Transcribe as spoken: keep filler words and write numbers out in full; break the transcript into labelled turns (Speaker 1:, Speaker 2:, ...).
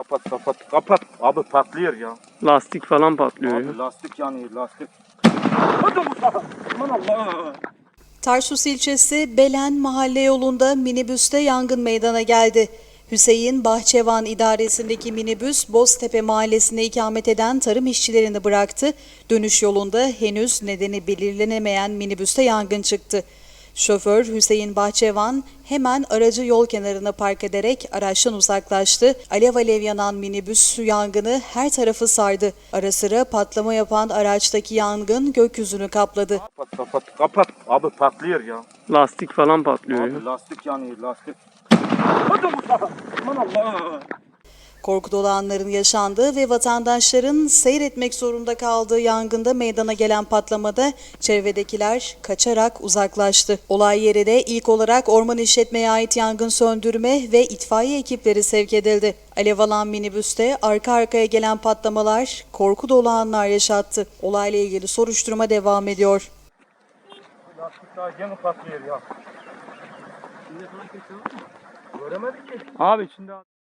Speaker 1: Kapat kapat kapat. Abi patlıyor ya.
Speaker 2: Lastik falan patlıyor
Speaker 1: Abi
Speaker 2: ya.
Speaker 1: lastik yanıyor lastik. Hadi Mustafa. Aman Allah.
Speaker 3: Tarsus ilçesi Belen mahalle yolunda minibüste yangın meydana geldi. Hüseyin Bahçevan idaresindeki minibüs Boztepe mahallesine ikamet eden tarım işçilerini bıraktı. Dönüş yolunda henüz nedeni belirlenemeyen minibüste yangın çıktı. Şoför Hüseyin Bahçevan hemen aracı yol kenarına park ederek araçtan uzaklaştı. Alev alev yanan minibüs yangını her tarafı sardı. Ara sıra patlama yapan araçtaki yangın gökyüzünü kapladı.
Speaker 1: Kapat kapat kapat. Abi patlıyor ya.
Speaker 2: Lastik falan patlıyor ya.
Speaker 1: Abi lastik yanıyor lastik. Hadi Mustafa. Aman Allah.
Speaker 3: Korku dolu anların yaşandığı ve vatandaşların seyretmek zorunda kaldığı yangında meydana gelen patlamada çevredekiler kaçarak uzaklaştı. Olay yerine ilk olarak orman işletmeye ait yangın söndürme ve itfaiye ekipleri sevk edildi. Alev alan minibüste arka arkaya gelen patlamalar korku dolu anlar yaşattı. Olayla ilgili soruşturma devam ediyor.
Speaker 1: Lastik daha yeni patlıyor ya. Göremedik ki.
Speaker 2: Abi içinde